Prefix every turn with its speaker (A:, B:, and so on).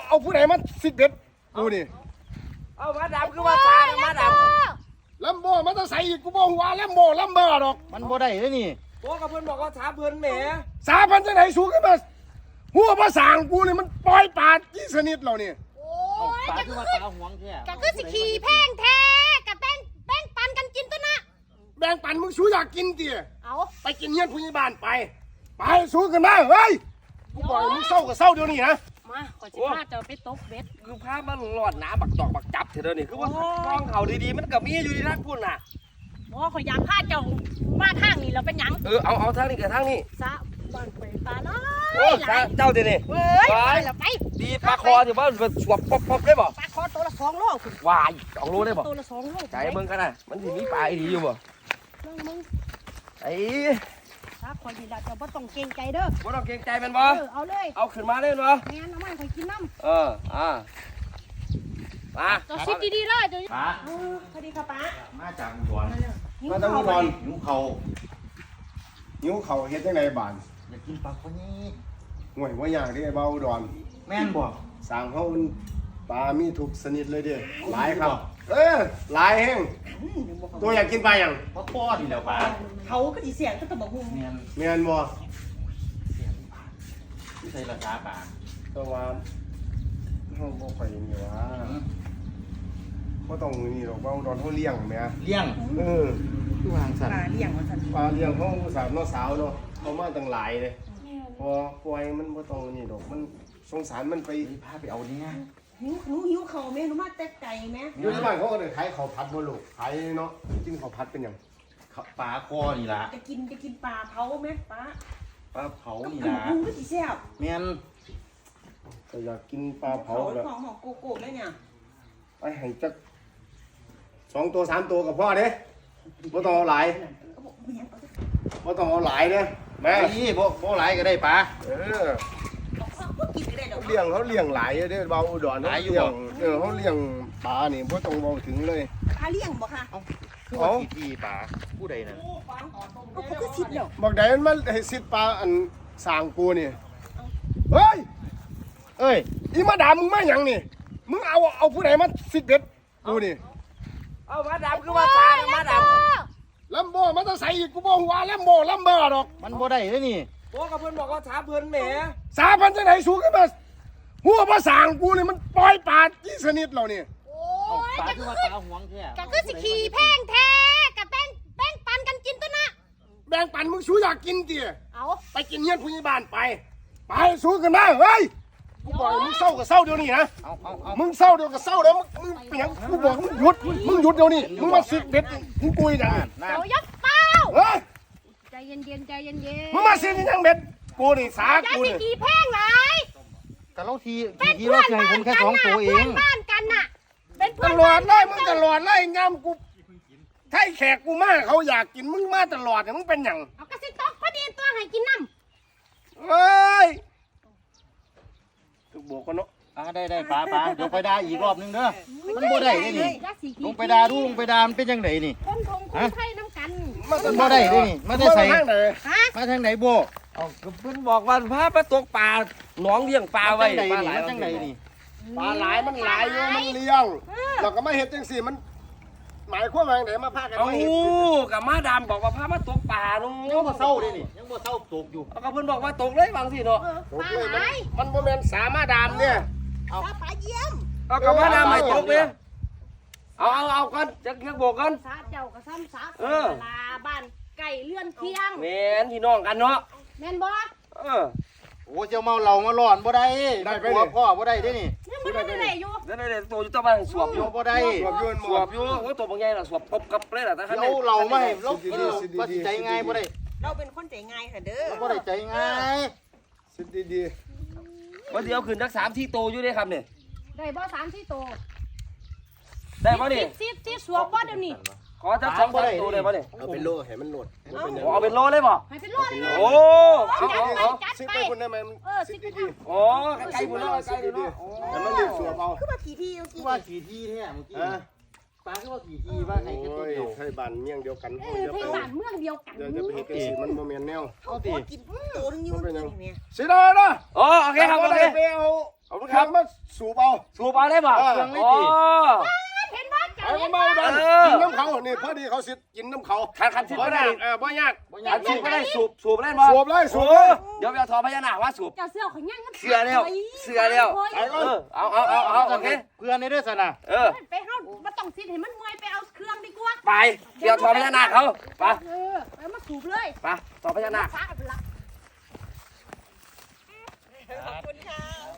A: เอาผู้ใดมาสิเด็ดกูนี่
B: เอามาดำคือว่าสามาดำ
A: ลัมโบมันจะใส่อีกกูบอกว่าลัมโบลัมเบอร์ดอก
C: มันบ่ได้เลยนี่
B: โอ้กับเพื่อนบอกว่าสาเพื่อนแหม
A: สาพันจะไหนสูงขึ้นมาหัวภาษากูนี่มันปล่อยปาดยี่สนิทเราเนี่ย
D: โอ้ยจะคือสิขี่แพงแท้กับแป้งปันกันกินตัวนะ
A: แบ่งปันมึงสูอยากกินเตี๋ย
D: เอา
A: ไปกินเงี้ยผู้ใหญ่บ้านไปสูขึ้นมาเฮ้ยกูบอกมึงเศร้ากับเศร้าเดี๋ยวนี้นะ
D: มาขอชิพาเจ้าไปตกเบ็ด
B: คือภาพมันหลอดหนาบักตอกบักจับเถอะนี่คือว่าท้องเขาดีๆมันกับมีอยู่ที่ทักพุ่นน่ะ
D: โอ้ขออยากพาเจ้ามาทางนี้เราเป็นหยัง
B: เอาทางนี้กับทางนี้
D: ซะบ้านไปปลาน้อย
B: โอ้เจ้าเดี๋ยวนี้
D: เฮ้ยไป
B: ดีปลาคอถือว่าสวบป๊บได้บ่
D: ปลาคอตัวละ2 โลคุณ
B: วาย2 โลได้บ่
D: ตัวละ2 โล
B: ใจเบิ่งกันนะมันสิมีปลาดีอยู่บ่
D: มึง
B: ไอ้
D: ถ้าคอยดีละเจ้าบ่ต้องเกรงใจเด้อ
B: บ่ต้องเกรงใจมันบ่
D: เอาเลย
B: เอาขึ้นมาเลยบ่
D: งั้นเอามาคอยกินน้ำ
B: มา
D: เจ้าซิดดีๆเลยเจ้า
C: ป้า
D: สวัสดีค่ะป้า
C: มาจากอุดร
A: มาตั้งอุดร
C: หิวเขา
A: เฮ็ดยังไงบ้าน
C: อยากกินปลาคนนี้
A: ห่วยว่าอย่างที่ไอ้เบาอุดร
C: แม่นบ่
A: สางเขาปลามีทุกชนิดเลยเด้หลายครับหลายแห้งตัวอยากกินปลาอย่าง
C: ปลาป้อดีแล้วป้า
D: เขาก็สิเสียงก็ตะบอกหุ่ง
C: แม่น
A: เมียนบ่
C: ที่ใส่ราคาป้า
A: ตัวว่าเขาบ่ค่อยนี่ว่าบ่ต้องนี่หรอกว่าอุดรเขาเลี้ยงแม่
C: เลี้ยงคือวางสั่น
D: ปลาเลี้ยงว่าซั่น
A: ปลาเลี้ยงเขาสาวน้อสาวเนาะเขามาตั้งหลายเลยพอปล่อยมันบ่ต้องนี่ดอกมันสงสารมันไป
C: พาไปเอาเนี่ย
D: หิวเขาแม่หนูมาแต่ไก่แม่
A: อยู่ในบ้านเขาก็ได้ขายข้าวผัดบ่ลูกขายเนาะกินข้าวผัดเป็นหยัง
C: ปลาคอนี่ล่ะ
D: จะกินปลาเผาไหมปลา
C: เผานี่ล่ะ
D: หุ่งก็สิแซ่บ
C: แม่น
A: ก็อยากกินปลาเผาแบบ
D: ของโกโก้เลยเนี่ย
A: ไปให้จัก2 ตัว 3 ตัวกับพ่อเด้บ่ต้องเอาหลายบ่ต้องเอาหลายเด้แม่
C: นี่บ่หลายก็ได้ปลา
A: เลี้ยงเขาเลี้ยงหลายเด้เบาอุดรหลายอยู่เขาเลี้ยงปลานี่บ่ต้องเบาถึงเลย
D: ปลาเลี้ยงบ่ค่ะ
C: เอาที่ปลาผู้ใดนั่น
D: ก็คือสิทธิ์แล้ว
A: บอกได้มันให้สิทธิ์ปลาอันสร้างกูนี่เฮ้ยอีมาด่ามึงมาหยังนี่มึงเอาผู้ใดมาสิทธิ์เด็ดกูนี่
B: เอามาดำคือว่าสามาด
A: ำลัมโบมันจะใส่อีกกูบอกว่าลัมโบลัมเบอร์ดอก
C: มันบ่ได้เลยนี่
B: โอ้กับเพื่อนบอกว่าสาเพื่อนแหม
A: สาพันจะไหนสูงขึ้นมาหัวภาษากูนี่มันปล่อยปาดยี่สนิทเราเนี่ย
D: โอ้ยจะคือสิขี่แพงแท้กับแป้งปันกันกินตัวนะ
A: แบ่งปันมึงสูอยากกินเตี๋ย
D: เอา
A: ไปกินเงี้ยผู้ใหญ่บ้านไปสูงขึ้นมาเฮ้ยกูบอกมึงเศร้ากับเศร้าเดี๋ยวนี้นะมึงเศร้าเดี๋ยวกับเศร้าแล้วมึงเปลี่ยนกูบอกมึงหยุดเดี๋ยวนี้มึงมาสิเด็ดมึงกุยอย่าง
D: เดี๋ยวยักเป้าใจเย็น
A: มึงมาสิยังเบ็ดกูนี่สากูนี่
D: กี่แพงไหน
C: แต่เราทีเราให้ผมแค่2 ตัวเอง
D: บ้านกันน่ะเป็น
A: ตลอดเลยมึงตลอดเลยงามกูไทยแขกกูมาเขาอยากกินมึงมาตลอดเนี่ยมึงเป็นอย่าง
D: เอากระสิตอกพอดีตัวให้กินน้
A: ำเฮ้ยถูกโบกกันเนาะ
C: ได้ปลาเดี๋ยวไปด่าอีกรอบนึงเด้อมันบ่ได้นี่ลงไปด่ามันเป็นยังไงนี่
D: คนไทยน้ำกัน
C: มันบ่ได้นี่มาได้ใส่มาทางไหนโบ
B: เอาเพื่อนบอกว่าพาไปตกปลาหนองเลี้ยงปลาไว้
C: ปลาหลายจังไหนนี่
A: ปลาหลายมันหลายอยู่มันเลี้ยงเราก็มาเห็ดจังสี่มันหมายความว่าไหนมาพากันมาเห็ด
B: กับมาดำบอกว่าพามาตกปลาลุง
C: ยังบ่เศร้าเลยนี่ยังบ่เศร้าตกอยู่
B: กับเพื่อนบอกว่าตกเลยบางสิเนาะ
D: ปลาหลาย
A: มันโมเมนสามารถดำเนี่ย
D: เอาปลาเยี่ยม
B: เอากับมาดำไม่ตกเลยเอากันจะเกี่ยวโบกัน
D: สาเจ้ากับซ้ำสาลาบ้านไก่เลื่อนเที่ยง
B: แม่นพี่น้องกันเนาะ
D: แม่นบ่
C: โอ้เจ้าเมาเหล้ามาหลอนบ่ได้หัวพ่อบ่ได้ด้นี่
D: ยังบ่ได้อยู่
B: ได้ตัวอยู่ตะบ้านสวบอยู่
C: บ่ได้
B: สวบอยู่โอ้ตัวบางใหญ่น่ะสวบปบกับเลยล่ะแต่คัน
C: นี้เราไม่เราบ่ใจง่ายบ่ได้
D: เราเป็นคนใจง่ายค่ะเด้อ
C: บ่ได้ใจง่าย
A: สิดี
B: วันเดียวคืนสัก3 ที่โตอยู่ได้ครับเนี่ย
D: ได้บ่3 ที่โต
B: ได้บ่นี่
D: สิสวบบ่เดี๋ยวนี้
B: ขอจัก2 ตัวได้บ่นี่
A: เอาเป็นโลให้มันโหลด
B: เอาเป็นโลเลยบ่
D: ให้เป็นโลเลย
B: โอ้
A: ซิไปคนได้ไหม
D: ซิ
A: ดี
B: โอ้ไก่บุญแล้วไก่ดูเนาะ
A: แต่มันเรียกสวบเอา
D: คือว่าขี่ที่
C: ว่าขี่ที่แท้เมื่อกี้
A: ไป
C: ปลาคือว่าขี่ว่าให้กันตัวเดียว
A: ไทยบ้านเมี่ยงเดียวกัน
D: ไทยบ้านเมืองเดียวกัน
A: เดี๋ยวจะไปเห็นกันสิมันโมเมนแนว
C: เอาติ
E: กินตัวนึงอยู่กินเนี่ย
A: สิได้นะ
B: โอ้โอเคครับโอเค
A: ไปเอาเอาเครื่องมาสูบเอา
B: สูบเอาได้บ่
C: เครื่องไม่
B: โอ้
C: ติ
D: เห็นว่า
A: ไอ้ก็เมาดันกินน้ำเขานี่พอดีเขาสิกินน้ำเขา
B: คันสูบก็ได้
A: บ่ยาก
B: คันสูบก็ได้สูบเล่นบ่
A: สูบเลยสูบ
B: โอ้
A: เลย
B: เดี๋ยวไปเอาทอพญานาคว่าสูบ
D: เจ้าเสื้อของย่าง
B: เสือแล้วเอาโอเค
C: เพื่อนในเด้อสนะ
D: ไปเฮาบ่ต้องสิให้มันเมื่อยไปเอาเครื่องดีกว่า
B: ไปเดี๋ยวทอพญานาคเขาไป
D: ไปมาสูบเลย
B: ไปทอพญานาค
D: ฟ้าไปละ
E: ขอบคุณค่ะ